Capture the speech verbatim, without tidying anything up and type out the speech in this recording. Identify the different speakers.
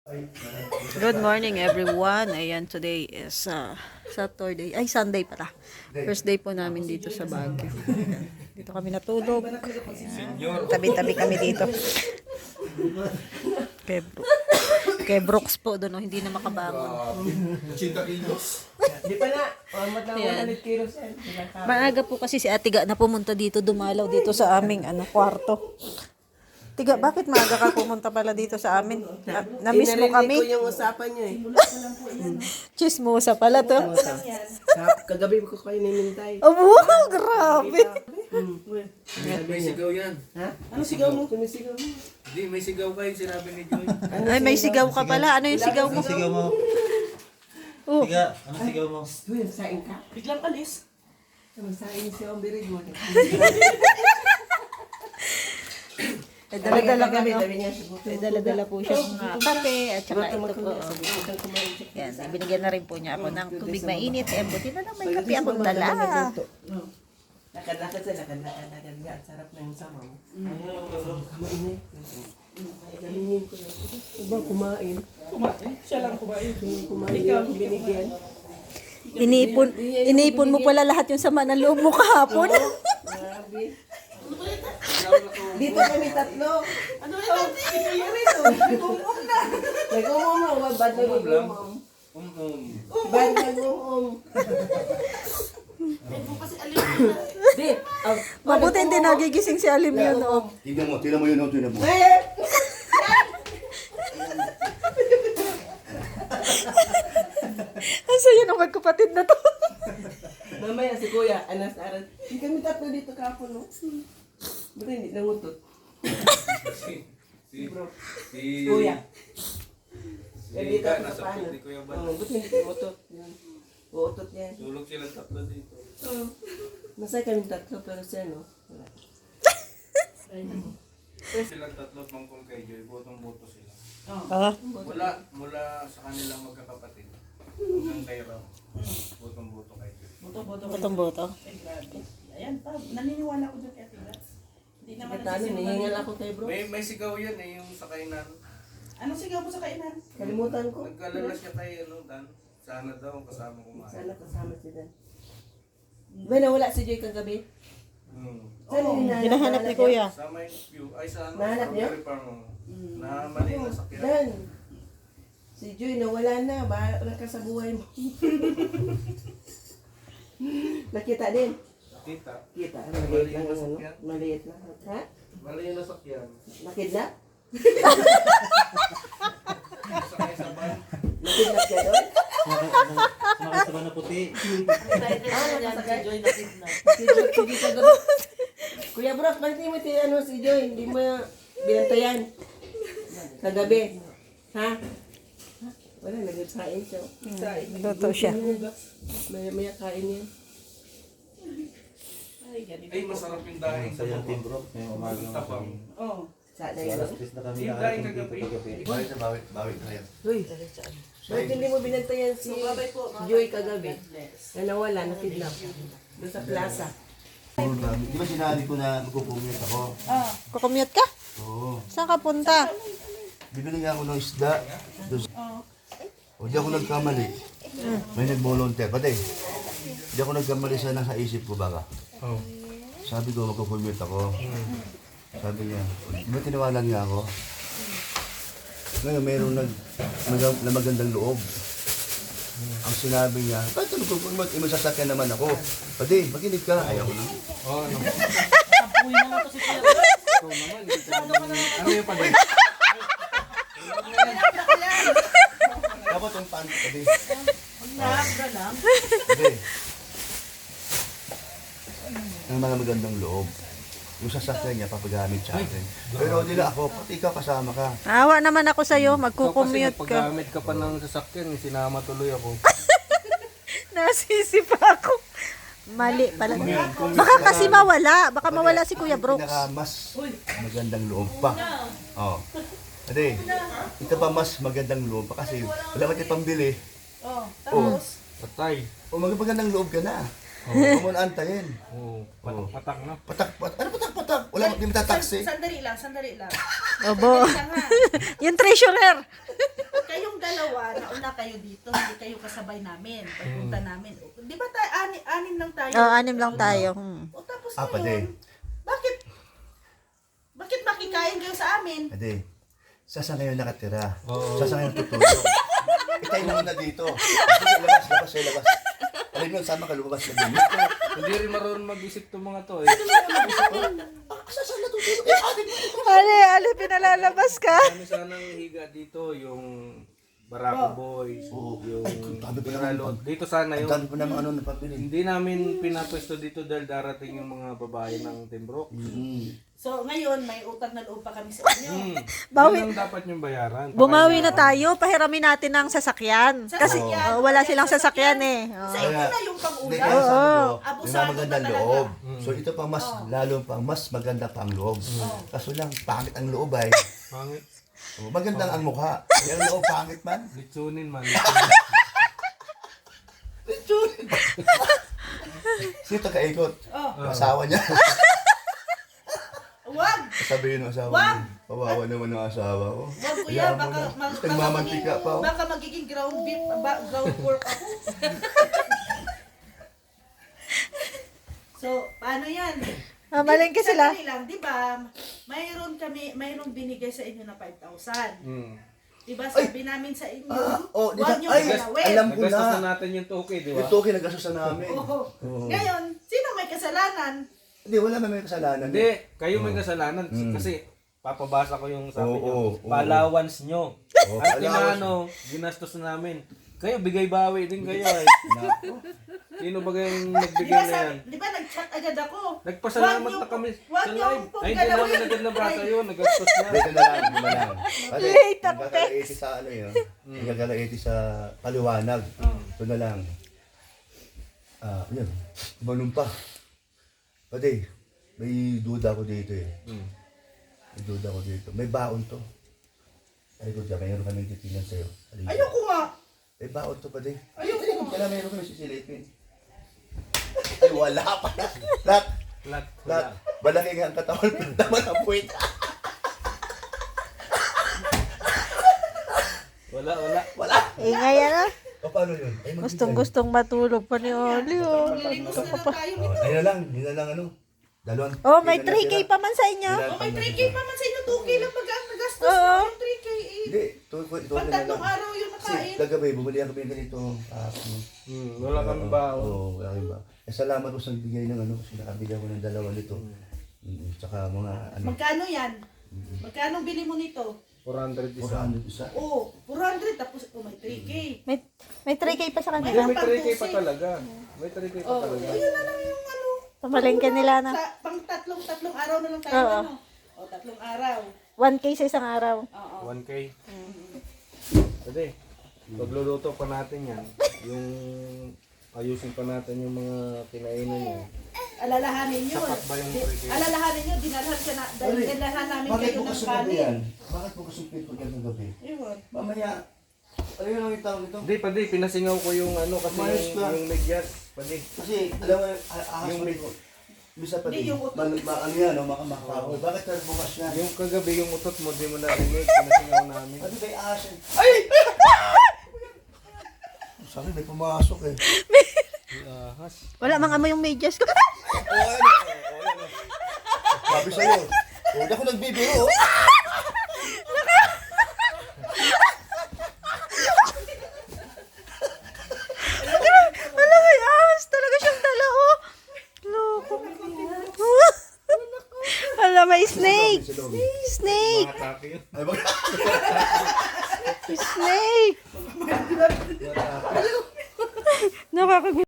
Speaker 1: Good morning everyone. Ayan, today is uh, Saturday. Ay, Sunday pala. First day po namin dito sa Baguio. Ayan. Dito kami natulog. Ayan. Tabi-tabi kami dito. Kay, Bro kay Brooks po doon, no? Hindi na makabangon.
Speaker 2: eighty kilos.
Speaker 3: Di pa na. Pamat na
Speaker 1: Ayan.
Speaker 3: one hundred kilos yan.
Speaker 1: Maaga po kasi si Ate Ga na pumunta dito, dumalaw dito sa aming ano, kwarto. Tiga, bakit maaga ka pumunta pala dito sa amin? Na, na-miss mo
Speaker 3: Inarinig
Speaker 1: kami?
Speaker 3: ko yung usapan nyo eh.
Speaker 1: Chismosa pala to.
Speaker 3: Sa- Kagabi ko kayo nimintay.
Speaker 1: Oh, wow, grabe.
Speaker 2: May sigaw yan.
Speaker 3: Ha? Ano sigaw mo? Sumisigaw mo.
Speaker 2: Hindi, may sigaw kayo, sinabi ni Joy.
Speaker 1: Ay, may sigaw ka pala. Ano yung sigaw mo?
Speaker 4: Sigaw mo.
Speaker 1: Oh.
Speaker 4: Siga, ano sigaw mo?
Speaker 3: Uy, saing ka. Biglang alis. Saing siya ang birig mo.
Speaker 1: Eh, dala-dala
Speaker 3: kami.
Speaker 1: kami.
Speaker 3: Sabi niya,
Speaker 1: Eh, dala-dala po siya mga kape at saka ito po. Yan, ibinigyan na rin po niya ako ng tubig mainit. Eh, buti na lang may kape akong dala.
Speaker 3: Lakad-lakad sa lakad-lakad-lakad nga. Ang sarap na yung samaw. Kumain eh. Galingan ko lang. Iba kumain. Kumain? Siya lang kumain. Kumain. Ikaw binigyan.
Speaker 1: Iniipon, iniipon mo pala lahat yung sama ng loob mo kahapon.
Speaker 3: Grabe. Dito kami tatlo. Ano ba ito? Nag-umum na. Nag-umum na. Bad na nag-umum.
Speaker 2: Um-um.
Speaker 3: Bad na nag-umum. Di.
Speaker 1: Mabuti hindi nagigising si Alim yun. Oh.
Speaker 5: Tignan mo, tignan mo yun, oh, tignan mo.
Speaker 3: Eh!
Speaker 1: Ang saya ng magkapatid na to.
Speaker 3: Mamaya si Kuya, anas na aral. Hindi kami tatlo dito kapon, no? Ba't hindi nangutot?
Speaker 2: Si, si, si,
Speaker 3: Kuya.
Speaker 2: si
Speaker 3: Eh, dito
Speaker 2: Ika,
Speaker 3: ako
Speaker 2: nasa
Speaker 3: sa paano?
Speaker 2: pit ni Kuya Bal.
Speaker 3: Oo, ba't hindi nangutot? Yan. Uutot yan.
Speaker 2: Tulog silang tatlo dito.
Speaker 3: Oo. Masaya kami tatlo, pero siya, no? Wala.
Speaker 2: Silang tatlo at mangkol kay Joy, botong-boto sila.
Speaker 1: Ah,
Speaker 2: Mula, mula sa kanilang magkakapatid, hanggang kay Ram, botong-boto kay Joy.
Speaker 1: botong boto.
Speaker 6: Ayan pa, naniniwala ko dyan kay Ate Gats. Hindi naman
Speaker 3: Kahit ano, nihingal ako kay bro.
Speaker 2: May, may sigaw yan eh, yung sa kainan.
Speaker 6: Anong sigaw mo sa kainan?
Speaker 3: Kalimutan ko.
Speaker 2: Nagkalala siya kay ano, Dan. Sana daw kasama kumain.
Speaker 3: Sana kasama si Dan. Ba, nawala si Joy kagabi?
Speaker 2: Hmm.
Speaker 3: Saan yung hinahanap?
Speaker 1: Hinahanap ni Kuya.
Speaker 2: Sa may view, ay sa ano,
Speaker 3: Nahanap niyo?
Speaker 2: strawberry farm. oh. Na mali na sa kaya.
Speaker 3: Dan, si Joy nawala na. Bahala ka sa buhay mo. Nakita din.
Speaker 2: Kita.
Speaker 3: Kita, maliit lang ang ano. Maliit lang. Ha?
Speaker 2: Mali yung nasakyan.
Speaker 3: Nakidnap?
Speaker 2: Sakay sa van.
Speaker 3: Nakidnap ka doon?
Speaker 4: Sumakay sa na puti.
Speaker 3: Ah, nakasakay. Si Joy, si Joy kagabi. Kuya Brock, bakit hindi mo si, ano, si Joy? Hindi mo binantayan. Kagabi. Ha? Wala, nagsain siya.
Speaker 1: Luto siya.
Speaker 3: Maya maya kain yan.
Speaker 2: Ay, masarap yung daing sa
Speaker 4: Sa yung team
Speaker 2: baba.
Speaker 4: bro, ngayong umaga ng
Speaker 2: Tapang.
Speaker 6: Oo.
Speaker 3: Sa na
Speaker 4: Alas
Speaker 3: yun.
Speaker 4: tres na kami
Speaker 2: Team daing
Speaker 4: nakarating
Speaker 2: kagabi.
Speaker 4: dito kagabi.
Speaker 5: Bawi na, bawi, bawi na yan.
Speaker 3: Uy, bakit hindi mo binantayan si Joy kagabi? Na nawala, nakidnap. Doon sa plaza.
Speaker 5: Di ba sinabi ko na magpupumiyot ako?
Speaker 1: Kukumute ka?
Speaker 5: Oo.
Speaker 1: Saan ka punta?
Speaker 5: Bibili nga ako ng isda. Doon sa- O di ako nagkamali. May nag-volunteer. Pati, di ako nagkamali sa nasa isip ko baka. Sabi ko magpupumiyot ako. Sabi niya, di ba tinawalan niya ako? Ngayon mayroong nag, mag- na magandang loob. Ang sinabi niya, kahit ano kung mag masasakyan naman ako. Pati, makinig ka. Ayaw ko na.
Speaker 2: Oh, ano?
Speaker 6: Uy naman to si Kuya.
Speaker 2: Ikaw naman, hindi ka naman. Ano yung pag
Speaker 5: Dapat yung pants, pati.
Speaker 6: Nabra lang.
Speaker 5: Pati. Ang mga magandang loob. Yung sasakyan niya, papagamit sa akin. Pero hindi na ako, pati ikaw kasama ka.
Speaker 1: Awa naman ako sa'yo,
Speaker 2: Ikaw kasi
Speaker 1: magkukumute ka.
Speaker 2: nagpaggamit ka pa ng sasakyan, sinama tuloy ako.
Speaker 1: Nasisi pa ako. Mali pala. Baka kasi mawala. Baka mawala si Kuya Brooks.
Speaker 5: Pinaka mas magandang loob pa. Oh. Ate, ito pa mas magandang loob pa kasi wala ka tayong pambili.
Speaker 6: Oh,
Speaker 5: Oh,
Speaker 2: Patay.
Speaker 5: oh magandang loob ka na. Huwag mo na antayin.
Speaker 2: Oo, patak, patak na.
Speaker 5: Patak, patak. Ano patak, patak? Wala, hindi mo tataksi.
Speaker 6: Sandali lang, sandali lang.
Speaker 1: Obo.
Speaker 6: Sandali lang ha.
Speaker 1: Yung treasurer.
Speaker 6: kayong dalawa, nauna kayo dito, hindi kayo kasabay namin, pagpunta namin. Di ba tayo, ani, anim lang tayo?
Speaker 1: Oh, anim lang tayo. Hmm.
Speaker 6: O tapos
Speaker 5: Apat
Speaker 6: ngayon,
Speaker 5: eh.
Speaker 6: bakit, bakit makikain kayo sa amin?
Speaker 5: Ade, saan ngayon nakatira? Saan ngayon tutulog? Itay na muna dito. Sige, labas, labas, eh, labas. Alam mo, sama ka, lumabas ka din.
Speaker 2: Hindi rin marunong mag-isip itong mga to eh.
Speaker 5: Saan na tutulog? Eh, atin mo.
Speaker 1: Ali, Ali, pinalalabas ka.
Speaker 2: Kami sanang higa dito yung Barako Boys,
Speaker 5: Oo.
Speaker 2: yung
Speaker 5: Ay, ang dami pa naman.
Speaker 2: Pinalo. Dito sana
Speaker 5: Ang
Speaker 2: yung
Speaker 5: dami pa naman ano napabili.
Speaker 2: hindi namin pinapwesto dito dahil darating yung mga babae ng Timbrok.
Speaker 5: Mm.
Speaker 6: So ngayon, may utang na loob pa kami sa inyo.
Speaker 2: Hmm.
Speaker 1: Bawi-
Speaker 2: Yun ang dapat yung bayaran.
Speaker 1: Bumawi na tayo, pahiramin natin ng sasakyan. Kasi
Speaker 6: Sasakyan.
Speaker 1: oh, wala silang sasakyan eh. Oh.
Speaker 6: Sa inyo na yung
Speaker 5: Hindi,
Speaker 6: pang-ulam.
Speaker 5: kaya sabi ko, may
Speaker 6: Abusado
Speaker 5: mga magandang
Speaker 6: ka talaga.
Speaker 5: loob. So ito pa mas, lalo pang mas maganda pa ang loob. Kaso lang, pangit ang loob ay.
Speaker 2: Pangit.
Speaker 5: Oh, maganda ang mukha. Yung loob pangit man.
Speaker 2: Litsunin man.
Speaker 5: Sino ka-ikot?
Speaker 6: Oh.
Speaker 5: Asawa niya.
Speaker 6: Wag!
Speaker 5: Sabihin ng asawa
Speaker 6: Wag!
Speaker 5: niya. Pawawa naman ang asawa ko.
Speaker 6: Wag kuya,
Speaker 5: Hayaan mo
Speaker 6: baka,
Speaker 5: na.
Speaker 6: mag, baka,
Speaker 5: Nagmamantika
Speaker 6: magiging,
Speaker 5: pa. oh.
Speaker 6: baka magiging ground beef, ba, ground pork ako. So, paano yan?
Speaker 1: Mamalengke
Speaker 6: Di-
Speaker 1: sila.
Speaker 6: sandali lang, di ba? Mayroon kami, mayroon binigay sa inyo na five thousand.
Speaker 2: Hmm.
Speaker 6: Di ba sabi namin sa inyo,
Speaker 5: Ah, oh, di
Speaker 6: huwag
Speaker 5: ba?
Speaker 6: niyo
Speaker 5: Ay,
Speaker 6: galawin.
Speaker 5: alam ko
Speaker 2: Nagastos na
Speaker 5: na.
Speaker 2: natin yung toke, di ba?
Speaker 5: Ito kinagasos na namin.
Speaker 6: Oo.
Speaker 5: Oo.
Speaker 6: Ngayon, sino may kasalanan?
Speaker 5: Hindi, wala naman may kasalanan.
Speaker 2: Hindi, kayo may kasalanan kasi papabasa ko yung sabi
Speaker 5: Oo,
Speaker 2: nyo.
Speaker 5: oo, oo.
Speaker 2: Palawans nyo.
Speaker 5: Oo,
Speaker 2: At
Speaker 5: allowance.
Speaker 2: inaano, ginastos namin. Kayo, bigay bawi din kayo eh. Sino ba kayong
Speaker 6: Di
Speaker 2: nagbigay
Speaker 6: ba,
Speaker 2: na yan?
Speaker 6: sabi, di ba nag-chat agad ako?
Speaker 2: Nagpasalamat
Speaker 6: Huwag niyo
Speaker 2: na kami
Speaker 6: po-
Speaker 2: sa
Speaker 6: huwag niyo
Speaker 2: live.
Speaker 6: pong
Speaker 2: Ay, hindi namin
Speaker 6: galawin.
Speaker 2: agad nabasa yun. Nagastos na.
Speaker 5: Dito na lang, dito na lang. Kasi,
Speaker 1: Late ang
Speaker 5: nagkaka-eighty sa ano yun. Nagkaka-eighty sa paliwanag. Ito na lang. Ah, yun. Umanong pa. Pati, may duda ko dito eh.
Speaker 2: Hmm.
Speaker 5: May duda ko dito. May baon to. Ay ko dyan, mayroon kami titingnan sa'yo. Halika.
Speaker 6: Ayoko nga.
Speaker 5: May baon to pa din.
Speaker 6: Ayoko nga.
Speaker 5: Kaya mayroon kami sisilipin. Ay, wala pa. Lahat.
Speaker 2: Lahat.
Speaker 5: Lahat. Malaki nga ang katawan. Naman ang puwit.
Speaker 2: Wala, wala.
Speaker 5: Wala.
Speaker 1: Ingay ano?
Speaker 5: O, paano yun? Ay, magbigay.
Speaker 1: Gustong gustong matulog pa ni Oli. Oh.
Speaker 6: Lilimos na lang tayo
Speaker 5: Oh,
Speaker 6: nito.
Speaker 5: ayun na lang. Yun na lang ano. Dalawang.
Speaker 1: Oh, may
Speaker 5: yun na
Speaker 1: three K
Speaker 5: tira.
Speaker 1: pa man sa inyo.
Speaker 5: Yun na
Speaker 6: Oh, may
Speaker 5: lang.
Speaker 6: three K pa man sa inyo, two K lang pag ang nagastos
Speaker 1: Oo.
Speaker 6: mo, yung three K eh.
Speaker 5: Hindi. Ito, ito, ito
Speaker 6: Pag
Speaker 5: na lang.
Speaker 6: tatlong araw yung
Speaker 5: Kasi
Speaker 6: nakain.
Speaker 5: kagabi, bumuli ako ng ganito. Ah,
Speaker 2: Hmm, wala kami baon.
Speaker 5: Oo, wala kami baon. Eh, salamat ko sa nagbigay ng ano. Kasi nakabigay ko ng dalawa nito. Mm, Tsaka mga ano.
Speaker 6: Magkano yan? Magkano bili mo nito?
Speaker 2: four hundred
Speaker 5: four
Speaker 2: isa.
Speaker 5: hundred isa.
Speaker 6: Oh, four hundred tapos oh, may three K.
Speaker 1: May, may three K pa sa
Speaker 2: Hindi,
Speaker 1: kanila.
Speaker 2: may three K pa talaga. May three K pa
Speaker 6: Oh,
Speaker 2: talaga.
Speaker 6: ayun na lang yung ano.
Speaker 1: Pamalengke nila na.
Speaker 6: Sa, pang tatlong tatlong araw na lang tayo
Speaker 1: Oo.
Speaker 6: ano. Oh, tatlong araw.
Speaker 1: one K sa isang araw.
Speaker 6: Oo.
Speaker 2: one K. Pwede. Pagluluto pa natin yan. Yung ayusin pa natin yung mga kinainan niya.
Speaker 6: Alalahanin nyo.
Speaker 2: Sapat ba yung
Speaker 6: Di-
Speaker 2: three K?
Speaker 6: Alalahanin nyo, dinalhan ka na,
Speaker 5: Uli,
Speaker 6: dinalhan namin
Speaker 5: Bakit
Speaker 6: kayo
Speaker 5: po
Speaker 6: ng
Speaker 5: kasong gabi
Speaker 6: kanin.
Speaker 5: yan? Bakit po kasong pito yan ng gabi?
Speaker 6: Ewan.
Speaker 5: Mamaya, ayun lang yung tawag ito.
Speaker 2: Hindi, pwede. Pinasingaw ko yung ano kasi
Speaker 5: Umayos
Speaker 2: yung,
Speaker 5: ka.
Speaker 2: yung medyas. Pwede.
Speaker 5: Kasi, alam mo, ahas
Speaker 2: Yung
Speaker 5: mo
Speaker 2: may-
Speaker 5: rin. Bisa pa
Speaker 6: Hindi,
Speaker 5: din.
Speaker 6: yung utot.
Speaker 5: Mal, ma, ano yan, no, makamakaw. Bakit tayo bukas yan?
Speaker 2: Yung kagabi yung utot mo, di mo narinig. Pinasingaw namin.
Speaker 5: Ano ba yung ahas yan? Ay! Sabi, may pumasok eh.
Speaker 2: Ahas.
Speaker 1: Wala mang amoy yung medyas ko.
Speaker 5: Oo, ano? Oo, ano? Sabi sa'yo. Oh, hindi ako nagbibiro. oh.
Speaker 1: Wala may ahas. Talaga siyang dala oh. Loko. Wala may snake.
Speaker 5: Sa loob.
Speaker 1: Snake.
Speaker 2: Atake yun.
Speaker 5: Ay, bak-
Speaker 1: Snake. Nakakagulo.